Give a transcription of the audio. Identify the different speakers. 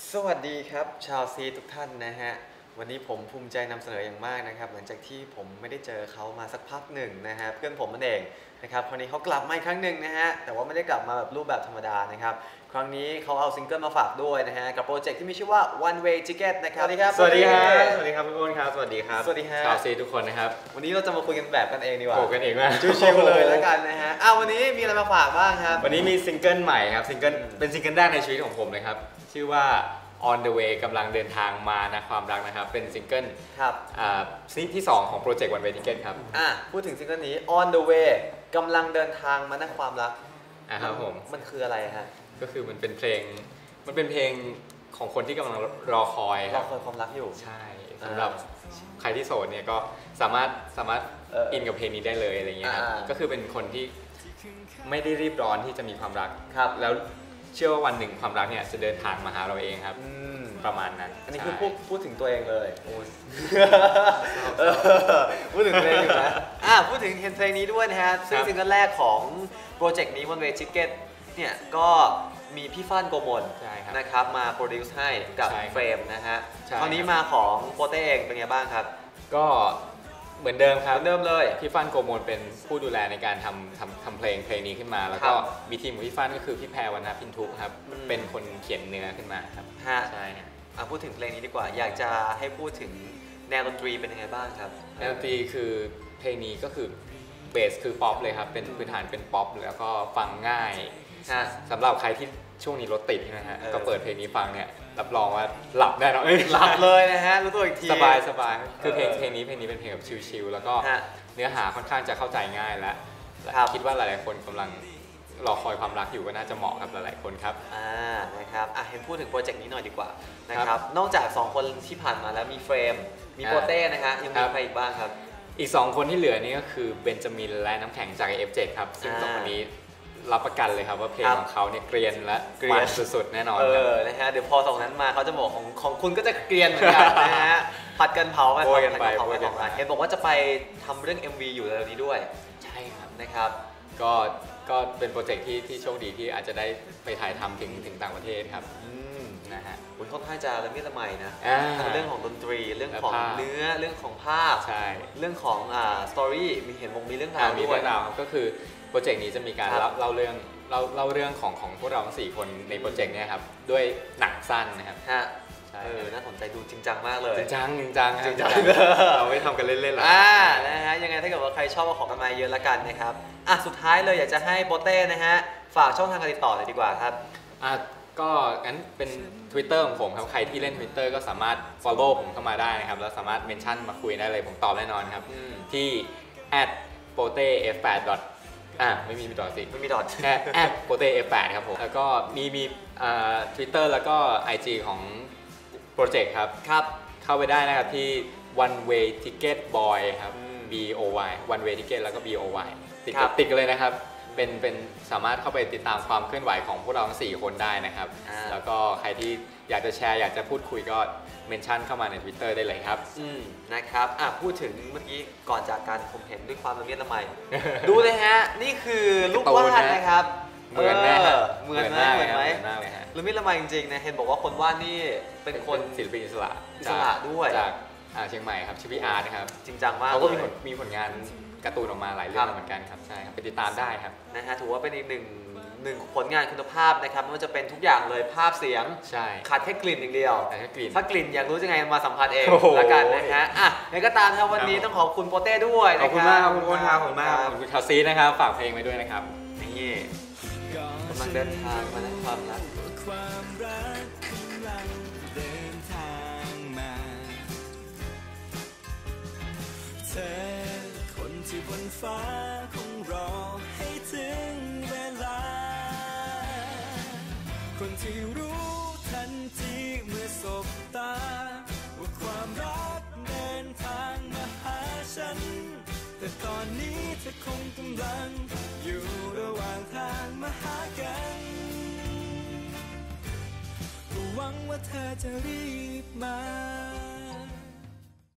Speaker 1: สวัสดีครับชาวซีทุกท่านนะฮะวันนี้ผมภูมิใจนำเสนออย่างมากนะครับหลังจากที่ผมไม่ได้เจอเขามาสักพักหนึ่งนะฮะเพื่อนผมนั่นเองนะครับคราวนี้เขากลับมาอีกครั้งหนึ่งนะฮะแต่ว่าไม่ได้กลับมาแบบรูปแบบธรรมดานะครับครั้งนี้เขาเอาซิงเกิลมาฝากด้วยนะฮะกับโปรเจกต์ที่มีชื่อว่า One Way Ticket นะครับสวัสดีครับ
Speaker 2: สวัสดีครับสวัสดีครับพี่อ้นครับสวัสดีครับ
Speaker 1: สวัสดีฮะ
Speaker 2: ชาวซีทุกคนนะครับ
Speaker 1: วันนี้เราจะมาคุยกันแบบกันเองดีกว่า
Speaker 2: โผล่กันเองมาก
Speaker 1: ชิวๆเลยแล้วกันนะฮะวันนี้มีอะไรมาฝากบ้างครับ
Speaker 2: วันนี้มีซิงเกิลใหม่ครับเป็นซิงเกิลแรกในชีวิตของผมเลยครับชื่อว่า On the Way กำลังเดินทางมานะความรักนะครับเป็นซิงเกิล
Speaker 1: ครับ
Speaker 2: ที่2ของโปรเจกต์ One Way Ticket ครับ
Speaker 1: พูดถึงซิงเกิลนี้ On the Way กำลังเดินทางมานะความรัก
Speaker 2: ครับผม
Speaker 1: มันคืออะไรฮะ
Speaker 2: ก็คือมันเป็นเพลงของคนที่กำลังรอคอย
Speaker 1: ความรักอยู่
Speaker 2: ใช่สำหรับใครที่โสดเนี่ยก็สามารถอินกับเพลงนี้ได้เลยอะไรเงี้ยครับก็คือเป็นคนที่ไม่ได้รีบร้อนที่จะมีความรักแล้วเชื่อว่าวันหนึ่งความรักเนี่ยจะเดินทางมาหาเราเองครับประมาณนั้น
Speaker 1: อันนี้คือพูดถึงตัวเองเลยพูดถึงเพลงอยู่นะพูดถึงเห็นเพลงนี้ด้วยนะฮะซึ่งซิงเกิลแรกของโปรเจกต์นี้ One Way Ticket เนี่ยก็มีพี่ฟ้านโกมลนะครับมาโปรดิวซ์ให้กับเฟรมนะฮะคราวนี้มาของโปเต้เองเป็นไงบ้างครับ
Speaker 2: ก็เหมือนเดิมครับ
Speaker 1: เหมือนเดิมเลย
Speaker 2: พี่ฟ้านโกมลเป็นผู้ดูแลในการทำเพลงนี้ขึ้นมาแล้วก็มีทีมของพี่ฟ้านก็คือพี่แพรวรรณพินทุกครับเป็นคนเขียนเนื้อขึ้นมาครับใช่
Speaker 1: พูดถึงเพลงนี้ดีกว่าอยากจะให้พูดถึงแนวดนตรีเป็นยังไงบ้างครับ
Speaker 2: แนวดนตรีคือเพลงนี้ก็คือเบสคือป๊อปเลยครับเป็นพื้นฐานเป็นป๊อปแล้วก็ฟังง่ายสำหรับใครที่ช่วงนี้รถติดนะฮะก็เปิดเพลงนี้ฟังเนี่ยรับรองว่าหลับแน่นอน
Speaker 1: หลับเลยนะฮะรู้ตัวอีกที
Speaker 2: สบายคือเพลงนี้เป็นเพลงแบบชิลๆแล้วก็เนื้อหาค่อนข้างจะเข้าใจง่ายและคิดว่าหลายๆคนกำลังรอคอยความรักอยู่ก็น่าจะเหมาะกับหลายๆคนครับ
Speaker 1: นะครับเห็นพูดถึงโปรเจกต์นี้หน่อยดีกว่านะครับนอกจาก2คนที่ผ่านมาแล้วมีเฟรมมีโปเต้นะฮะยังมีใครอีกบ้างครับ
Speaker 2: อีก2คนที่เหลือนี่ก็คือเบนจามินและน้ำแข็งจาก F7 ครับซึ่ง2คนนี้รับประกันเลยครับว่าเพลงของเขาเนี่ยเกรียนและมันสุดๆแน่นอน
Speaker 1: นะฮะเดี๋ยวพอ2นั้นมาเขาจะบอกของคุณก็จะเกรียนเหมือนกันนะฮะผัดกันเผาไปเห็นบอกว่าจะไปทำเรื่อง MV อยู่ในนี้ด้วย
Speaker 2: ใช่ครับ
Speaker 1: นะครับ
Speaker 2: ก็เป็นโปรเจกต์ที่โชคดีที่อาจจะได้ไปถ่ายทำถึงต่างประเทศครับนะฮะ
Speaker 1: คุณค่อนข้างจะละเมียดละไมนะทั้งเรื่องของดนตรีเรื่องของเนื้อเรื่องของภาพเรื่องของสตอรี่มีเรื่องราว
Speaker 2: ด้วยก็คือโปรเจกต์นี้จะมีการเล่าเรื่องของพวกเราทั้ง4คนในโปรเจกต์นี้ครับด้วยหนังสั้นนะครับ
Speaker 1: น่าสนใจดูจริงจังมากเลย
Speaker 2: จริงจังเราไม่ทำกันเล่นๆหรอก
Speaker 1: นะฮะยังไงถ้าเกิดว่าใครชอบของกันมาเยอะละกันนะครับสุดท้ายเลยอยากจะให้โปเต้นะฮะฝากช่องทางการติดต่อเลยดีกว่าครับ
Speaker 2: ก็งั้นเป็น Twitter ของผมครับใครที่เล่น Twitter ก็สามารถ follow ผมเข้ามาได้นะครับแล้วสามารถเมนชั่นมาคุยได้เลยผมตอบแน่นอนครับที่ @potef8 ไม่มีดอทสิ
Speaker 1: ไม่มีดอท
Speaker 2: แค่ @potef8 ครับผมแล้วก็มีTwitter แล้วก็ IG ของโปรเจกต์ครับเข้าไปได้นะครับที่ One Way Ticket Boy ครับ BOY One Way Ticket แล้วก็ BOY ติดกันเลยนะครับเป็นสามารถเข้าไปติดตามความเคลื่อนไหวของพวกเราทั้ง4คนได้นะครับแล้วก็ใครที่อยากจะแชร์อยากจะพูดคุยก็เมนชั่นเข้ามาใน Twitter ได้เลยครับ
Speaker 1: นะครับพูดถึงเมื่อกี้ก่อนจากการผมเห็นด้วยความละเมียดละไมดูเลยฮะนี่คือลูกวาดนะครับ
Speaker 2: เหมือนไหม
Speaker 1: ละเมียดละไมจริงๆนะเห็นบอกว่าคนวาดนี่เป็นคน
Speaker 2: ศิลปินอิสระ
Speaker 1: ด้วย
Speaker 2: จากเชียงใหม่ครับชื่อพี่อาร์ตนะครับ
Speaker 1: จริงจังมาก
Speaker 2: เขาก็มีผลงานการ์ตูนออกมาหลายเรื่องเหมือนกันครับใช่ครับไปติดตามได้ครับ
Speaker 1: นะฮะถือว่าเป็นอีกหนึ่งผลงานคุณภาพนะครับไม่ว่าจะเป็นทุกอย่างเลยภาพเสียงขาดแค่กลิ่นอย่างเดียวถ้ากลิ่นอยากรู้ยังไงมาสัมผัสเองละกันนะฮะยังก็ตามครับวันนี้ต้องขอบคุณโปเต้ด้วย
Speaker 2: ขอบคุณมากขอบคุณครับขอบคุณมากขอบคุณคาซีนะครับฝากเพลงไว้ด้วยนะครับ
Speaker 1: นี่กำลังเดินทางมาในความรัก
Speaker 3: ที่บนฟ้าคงรอให้ถึงเวลาคนที่รู้ทันทีเมื่อสบตาว่าความรักเดินทางมาหาฉันแต่ตอนนี้เธอคงกำลังอยู่ระหว่างทางมาหากันหวังว่าเธอจะรีบมา